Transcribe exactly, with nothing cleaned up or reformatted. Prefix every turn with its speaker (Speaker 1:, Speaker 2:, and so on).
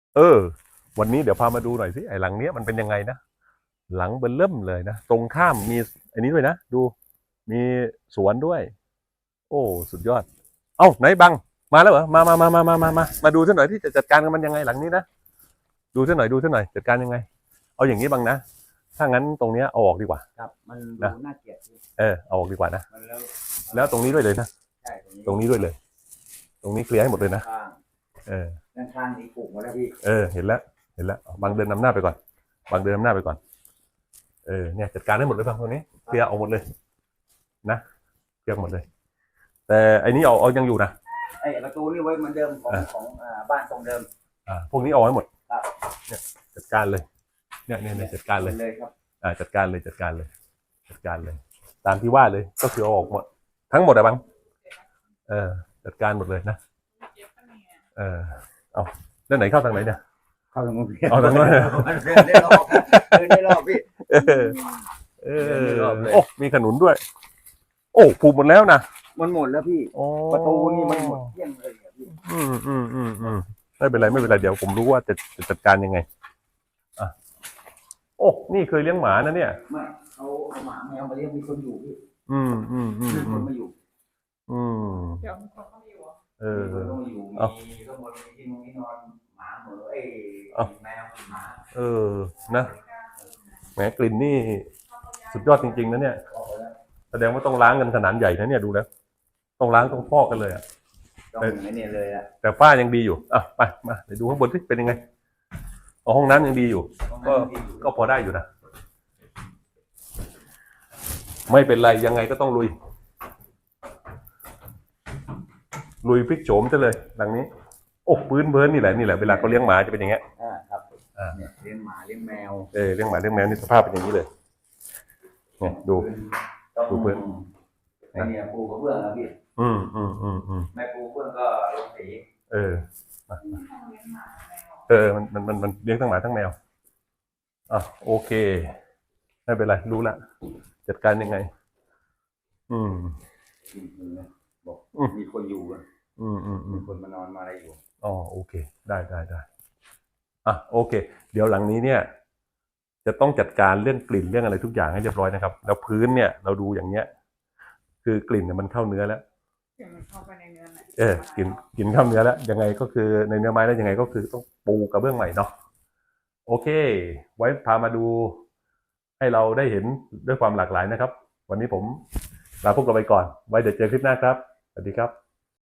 Speaker 1: เออวันนี้เดี๋ยวพามาดูหน่อยสิไอ้หลังเนี้ยมันเป็นยังไงนะหลังเบิ่มเริ่มเลยนะตรงข้ามมีอันนี้ด้วยนะดูมีสวนด้วยโอ้สุดยอดเอ้าไหนบังมาแล้วเหรอมามามามามามามามาดูซะหน่อยที่จะจัดการกับมันยังไงหลังนี้นะดูซะหน่อยดูซะหน่อยจัดการยังไงเอาอย่างนี้บังนะถ้างั้นตรงเนี้ยเอาออกดีกว่า
Speaker 2: ครับมันดูน่าเกลียด
Speaker 1: เออเอาออกดีกว่านะ
Speaker 2: มันแล้ว
Speaker 1: แล้วตรงนี้ด้วยเลยนะ
Speaker 2: ใช่
Speaker 1: ตรงนี้ด้วยเลยตรงนี้เคลียร์ให้หมดเลยนะ
Speaker 2: ข้าง
Speaker 1: เออ
Speaker 2: ด้านข้างนี้ปลูกหมดแล้วพี่
Speaker 1: เออเห็นแล้วเห็นแล้วบางเดินนำหน้าไปก่อนบางเดินนำหน้าไปก่อนเออเนี่ยจัดการให้หมดเลยบางตรงนี้เคลียร์เอาหมดเลยนะเคลียร์หมดเลยแต่ไอ้นี้เอาเอายังอยู่นะ
Speaker 2: ไอ้ประตูนี่ไว้เหมือนเดิมของของบ้านทรงเดิม
Speaker 1: อ่าพวกนี้เอาให้หมด
Speaker 2: ครับ
Speaker 1: เนี่ยจัดการเลยเนี่ยเนี่ยจัดการเลย
Speaker 2: เลยครับ
Speaker 1: อ่าจัดการเลยจัดการเลยจัดการเลยตามที่ว่าเลยก็คือเอาออกหมดทั้งหมดอะบังเออจัดการหมดเลยนะเออเอาแล้วไหนเข้าทางไหนเนี่ย
Speaker 2: เข้าทางนู้น
Speaker 1: เอาทางนู้น
Speaker 2: เดินได้รอบเดินได้รอบพี่
Speaker 1: เออเออโอ้มีขนุนด้วยโอ้ผูกหมดแล้วนะ
Speaker 2: มันหมดแล้วพี่ประตูนี่มันหมดเที่ยงเลยพี่
Speaker 1: อืมอืมอืมอืมไม่เป็นไรไม่เป็นไรเดี๋ยวผมรู้ว่าจะจะจัดการยังไงอ่ะโอ้นี่เคยเลี้ยงหมานะเนี่ย
Speaker 2: ไม่เอาเอาหมาแมวมาเลี้ยงมีคนอยู่พี่
Speaker 1: อืมอืมอืม
Speaker 2: มีคนมาอยู่
Speaker 1: อืม
Speaker 3: เดี๋ยวมีคนเข้ามาอยู่
Speaker 1: เออ
Speaker 2: มีคนมาอยู่มีข้างบนมีที่นอนที่นอนหมาเหมือไอ้แมวหมา
Speaker 1: เออนะแหมกลิ่นนี่สุดยอดจริงๆนะเนี่ยแสดงว่าต้องล้างกันขนาดใหญ่นะเนี่ยดูแล้วต้องล้างต้องพอกกันเลยอ่ะ
Speaker 2: ต้องไม่เนี่ยเลยอ่ะ
Speaker 1: แต่ฝ้ายังดีอยู่อ่ะไปมาไปดูข้างบนสิเป็นยังไงอ๋อห้องน้ำยังดีอยู่ก็ก็พอได้อยู่นะไม่เป็นไรยังไงก็ต้องลุยลุยพลิกโฉมซะเลยหลังนี้โอ้พื้นเบิร์นนี่แหละนี่แหละเวลาเขาเลี้ยงหมาจะเป็นอย่างเงี้ย
Speaker 2: อ่าครับอ่าเนี่ยเลี้ยงหมาเลี้ยงแมว
Speaker 1: เออเลี้ยงหมาเลี้ยงแมวนี่สภาพเป็นอย่างนี้เลยเนี่ยดูดูพื้น
Speaker 2: ไอเนี่ยปูกระเบื้องนะพี่
Speaker 1: อืมอืมอืมอืม
Speaker 2: ไม่ปูกระเบื้องก็ลงสี
Speaker 1: เออเออมันมันมันมันเลี้ยงทั้งหมาทั้งแมวอ่ะโอเคไม่เป็นไรรู้ละจัดการยังไงอืม
Speaker 2: บอกมีคนอยู่อ่ะ
Speaker 1: อืมอืมอื
Speaker 2: มี
Speaker 1: ม
Speaker 2: คนมานอนมาอะไรอยู่
Speaker 1: อ๋อโอเคได้ได้ได้อ่ะโอเคเดี๋ยวหลังนี้เนี่ยจะต้องจัดการเรื่องกลิ่นเรื่องอะไรทุกอย่างให้เรียบร้อยนะครับแล้วพื้นเนี่ยเราดูอย่างเนี้ยคือกลิ่นเนี่ยมันเข้าเนื้อแล้ว
Speaker 3: มันเข้าไปในเนื้อไหน
Speaker 1: เออกลิ่นกลิ่นเข้าเนื้อแล้วยังไงก็คือในเนื้อไม้แล้วยังไงก็คือต้องปูกระเบื้องใหม่เนาะโอเคไว้พามาดูให้เราได้เห็นด้วยความหลากหลายนะครับวันนี้ผมลาพวกเราไปก่อนไว้เดี๋ยวเจอคลิปหน้าครับสวัสดีครับ